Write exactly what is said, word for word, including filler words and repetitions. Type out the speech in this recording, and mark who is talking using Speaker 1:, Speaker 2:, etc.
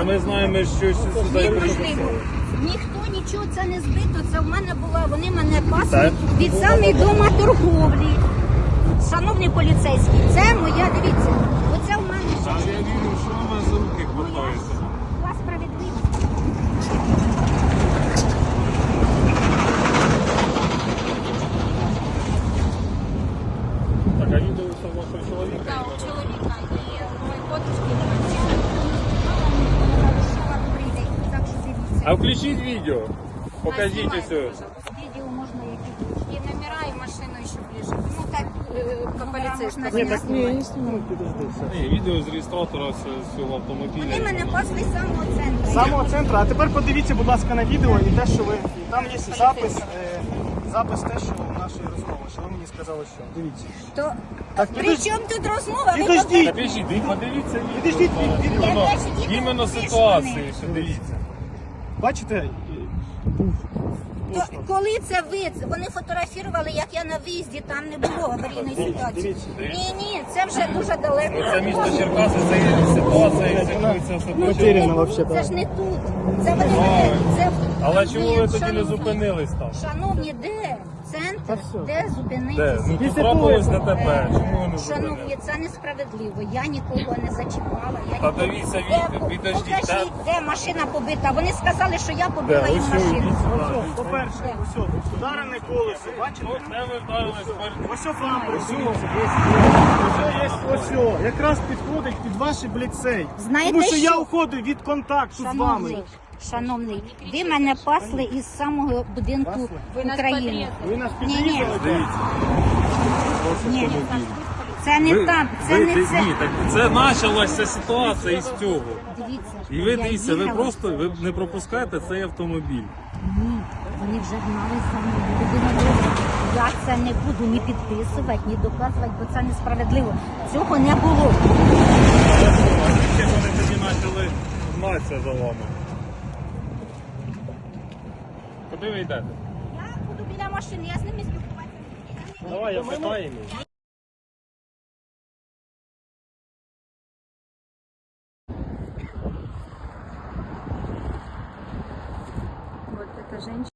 Speaker 1: ми знаємо, що сюди прийшли.
Speaker 2: Ніхто нічого це не збито, це в мене було, вони мене пасли від самої дома торговлі. Шановні поліцейські, це моя, дивіться, оце в мене.
Speaker 1: А я вірю, що вона за руки хватається.
Speaker 2: У вас справедливість.
Speaker 1: Так, а відео це вашого чоловіка?
Speaker 2: Так, у чоловіка і мої подружки.
Speaker 1: А включіть відео. Покажіть усе.
Speaker 2: Відео можна які.
Speaker 3: И номера, и машину еще ближе. Ну так,
Speaker 2: По поліцейському.
Speaker 1: Ні, так ні, не знімаю, підожди. Ні, відео з реєстратора з цього автомобіля.
Speaker 2: Вони мене пасли з самого центру.
Speaker 4: З самого центру. А тепер подивіться, будь ласка, на відео і те, що ви... Там є запис, е, запис те, що нашої розмови, що ви мені сказали, що. Дивіться.
Speaker 2: То
Speaker 4: Так,
Speaker 2: при
Speaker 4: підожди-
Speaker 2: чому тут розмова? Ви
Speaker 4: Підождіть.
Speaker 1: Та підождіть, ви подивіться відео.
Speaker 4: Підождіть,
Speaker 1: зараз.
Speaker 4: від- від-
Speaker 1: Іменно-
Speaker 2: Я бачу, діти
Speaker 1: Іменно
Speaker 2: вийшли
Speaker 1: ситуації,
Speaker 2: вони.
Speaker 1: що дивіться.
Speaker 4: Бачите, е, був
Speaker 2: То, коли це ви, вони фотографували, як я на виїзді, там не було аварійної ситуації.
Speaker 4: дивіться.
Speaker 2: Ні, ні, це вже дуже далеко.
Speaker 1: Це місто Черкаси, це є ситуація, яка все
Speaker 2: Ну,
Speaker 4: Потеряно
Speaker 2: це,
Speaker 4: вообще,
Speaker 2: це
Speaker 4: да.
Speaker 2: ж не тут. Це вони мене, це
Speaker 1: Але чому ви тоді не
Speaker 2: шановні,
Speaker 1: зупинились там?
Speaker 2: Шановні, де центр, де
Speaker 1: Де?
Speaker 2: зупинитися?
Speaker 1: Ну тут
Speaker 4: Після
Speaker 1: трапилось
Speaker 4: того,
Speaker 1: ДТП. Чому ви не
Speaker 2: Шановні,
Speaker 1: зупинились?
Speaker 2: це несправедливо. Я нікого не зачіпала. Я
Speaker 1: Та
Speaker 2: нікого-
Speaker 1: дивіться
Speaker 2: Де-
Speaker 1: відео, підождіть,
Speaker 2: Покажіть, де машина побита. Вони сказали, що я
Speaker 1: Де?
Speaker 2: побила їм
Speaker 1: Ось
Speaker 2: машину.
Speaker 1: йдіть сюди.
Speaker 4: Ось, по-перше, ось, ударене колесо, бачите?
Speaker 1: Де ви вдарились?
Speaker 4: Ось бампер, ось, ось є, ось, о, якраз підходить під ваші бліцей.
Speaker 2: Знаєте
Speaker 4: Тому що я
Speaker 2: що?
Speaker 4: уходив від контакту з вами.
Speaker 2: Шановний, шановний, ви мене пасли із самого будинку
Speaker 4: Пасли?
Speaker 2: України.
Speaker 4: Ви нас
Speaker 2: Ні, ні,
Speaker 4: підрізали?
Speaker 1: Дивіться.
Speaker 2: ні, це не так, це
Speaker 1: ви,
Speaker 2: не це.
Speaker 1: Ні, так це почалася ситуація із цього.
Speaker 2: Дивіться,
Speaker 1: І ви
Speaker 2: я
Speaker 1: дивіться, ви
Speaker 2: їхала.
Speaker 1: просто ви не пропускаєте цей автомобіль.
Speaker 2: Ні, вони вже гнали за мною. Людина добра. Я це не буду ні підписувати, ні доказувати, бо це несправедливо. Цього не було.
Speaker 1: Ще вони тоді почали гнатися за вами. Куди ви йдете?
Speaker 2: Я буду біля машини, я з ними спілкуватися.
Speaker 1: Давай, я питаю.
Speaker 3: вот эта женщина.